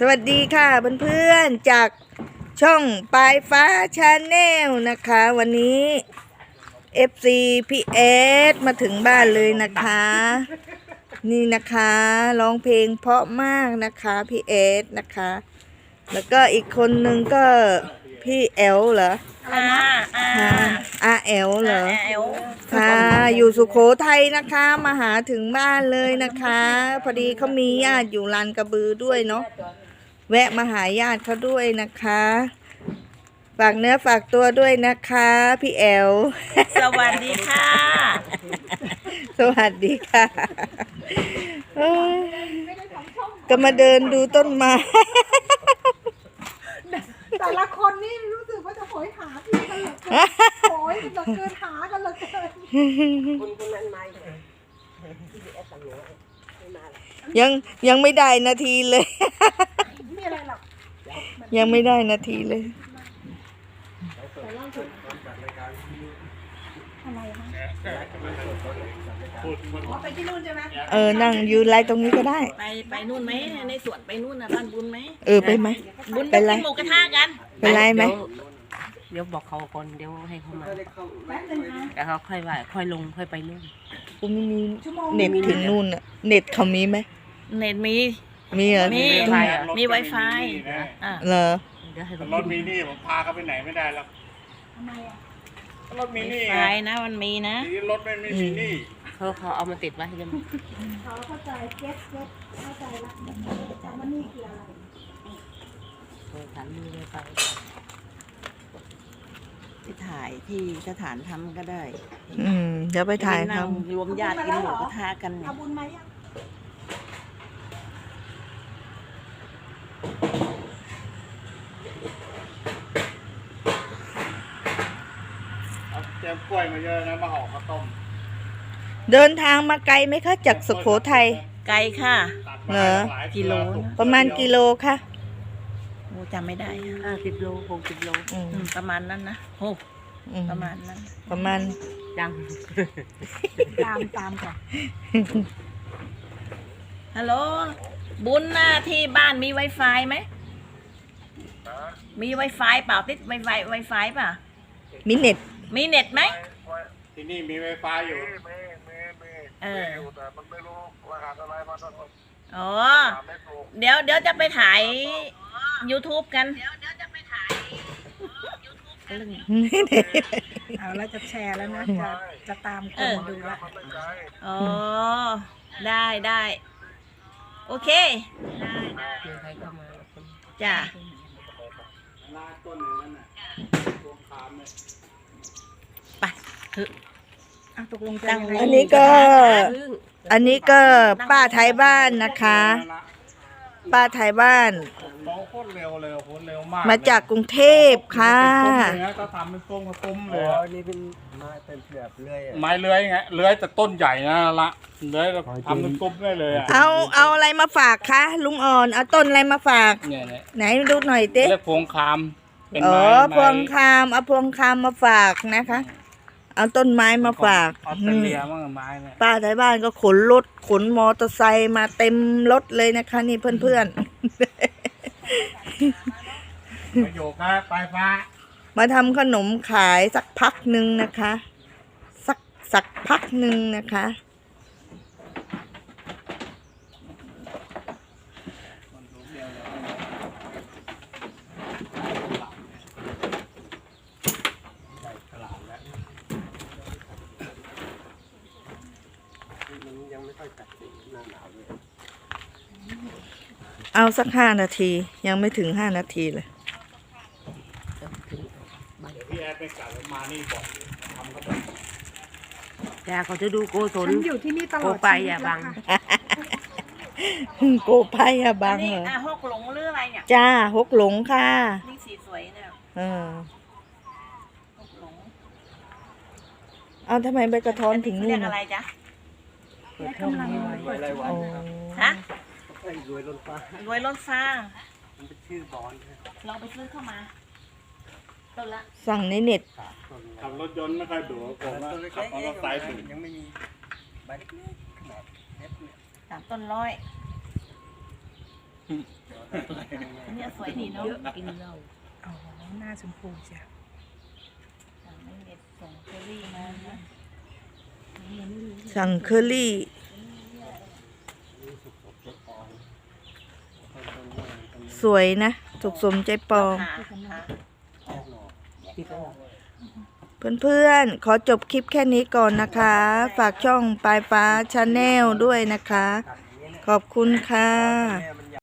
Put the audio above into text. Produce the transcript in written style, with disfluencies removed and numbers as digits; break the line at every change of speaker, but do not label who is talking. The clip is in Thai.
สวัสดีค่ะเพื่อนๆจากช่องปลายฟ้าชาแนลนะคะวันนี้ FC พี่เอสมาถึงบ้านเลยนะคะนี่นะคะร้องเพลงเพราะมากนะคะพี่เอสนะคะแล้วก็อีกคนนึงก็พี่แอลเหรออาแอลเหรอค่ะอยู่สุโขทัยนะคะมาหาถึงบ้านเลยนะคะพอดีเขามีญาติอยู่ลานกระบือด้วยเนาะแวะมาหาญาติเขาด้วยนะคะฝากเนื้อฝากตัวด้วยนะคะพี่แอล
สวัสดีค่ะ
สวัสดีค่ะก็มาเดินดูต้นไม้
แต่ละคนนี่รู้สึกว่าจะโหยหาพี่กันเหลือเกินโหยเหลือเกินหากันเหลือเกิน
คนนั้นมา
ยังไม่ได้นาทีเลย
ไม่อะไรหรอก
ยังไม่ได้นาทีเลย
อะไรคะไปที่นู่นใช่ไหม
นั่งยืนไลน์ตรงนี้ก็ได้
ไปนู่นไหมในสวนไปนู่นนะบ้านบุญไหม
ไปไหม
บุญไปกินหมูกระทะกัน
ไปไลน์ไหม
เดี๋ยวบอกเขาก่อนเดี๋ยวให้เขามาแล้วเขาค่อยว่าค่อยลงค่อยไปนู่น
กูไม่มีเน็ตถึงนู่นอะเน็ตเขามีไหม
เน็ตมี
เหรอ
มี Wi-Fi
เหรอ
รถมินิผมพาเขาไปไหนไม่ได้แล้ว
ทำไมอ่ะ
รถมินิ
ไฟนะมันมีนะ
รถไม่มีมินิ
เขาเอามาติดไว้ให้เลย
เขาเข้าใจเก็ตเข้าใจละแต่ว่านี่คืออะไร
ฉันมีเลยไปถ่ายที่สถานทำก็ได้
เดี๋ยวไปถ่ายท
ำรวมญาติกินหมูกระทะกัน
เอาบุญไหมยัง
เตรียมกล้วยมาเยอะนะมาห่อข้าวต้ม
เดินทางมาไกลไหมคะจากสุโขทัย
ไกลค่ะ
เหรอ
กิโล
ประมาณกิโลค่ะ
โอ้จำไม่ได้50 โล60 โลประมาณนั้นนะโอ้ประมาณนั้น
ประมาณ
ดัง
ตามก่อน
ฮัลโหลบุญนะที่บ้านมี Wi-Fi ไหมมี Wi-Fi เปล่าติด Wi-Fi ป่ะ
มีเน็ต
ไหม
ที่นี่มี Wi-Fi อยู่
มีแต่มันไม่รู้รหัสอะไรมาต้อง
อ๋อเดี๋ยวจะไปถ่าย YouTube กัน
เอาแล้วจะแชร์แล้วนะจะตามคนมาดูละ
อ๋อได้โอเคจ้ะไป
ตกลง
อันนี้ก็ป้าไทยบ้านนะคะป้าไทยบ้าน
โคตรเร็วเลยโคตรเร็วมาก
มาจากกรุงเทพค่ะ
ก็ทำเป็นต้มเลย
นี่เป็นไม้เป็นแบบเลื่อย
ไม้เลื้อยไงเลื้อยแต่ต้นใหญ่นะละเลื้อยทำเป็นต้มได้เลย
เอาอะไรมาฝากคะลุงอ่อนเอาต้นอะไรมาฝากไหนดูหน่อยเต้
พวงคาม
พวงคามเอาพวงคามมาฝากนะคะเอาต้นไม้มาฝาก
ออสเตรเลียมั่งไม้เนี่ย
ป้าไทยบ้านก็ขนรถขนมอเตอร์ไซค์มาเต็มรถเลยนะคะนี่เพื่อน
ประโยคนะปลายฟ้า
มาทำขนมขายสักพักหนึ่งนะคะสักพักหนึ่งนะคะเอาสัก5 นาทียังไม่ถึง5 นาทีเลย
พี่แอดไปกลับมานี่บอกทำก็ได้
แต่เขาจะดูโกศล
อยู่ที่นี่ตลอด
ไปอย่าบัง
โกไปอย่าบังเหรอ
ฮกหลงหรืออะไรเนี่ย
จ้าฮกหลงค่ะ
นี่สีสวยเนี่ย
ฮกหลงเอาทำไมใบกระท้อนถึงนู่น
อะไรจ๊ะฮะรวยล้นฟ้า
มันเป็นชื่อบอล
ลองไปซื้อเข้ามาต้นละ
สั่งในเน็ต
ขับรถยนต์ไม่ค่อยดูผมว่าขับมอเตอร์ไซค์ถึง
ยังไม่มีใบเล็กๆขนาด
3 ต้น100 เนี่ยสวยดีเนาะกินเหล้า
อ๋อหน้าชมพูจ้ะ
ไม่เด็ดส่งเคอรี่มานะ
สั่งเคอรี่ สวยนะถูกสมใจปอง เพื่อนๆ ขอจบคลิปแค่นี้ก่อนนะคะ ฝากช่องปลายฟ้าชาแนลด้วยนะคะ ขอบคุณค่ะ
แม่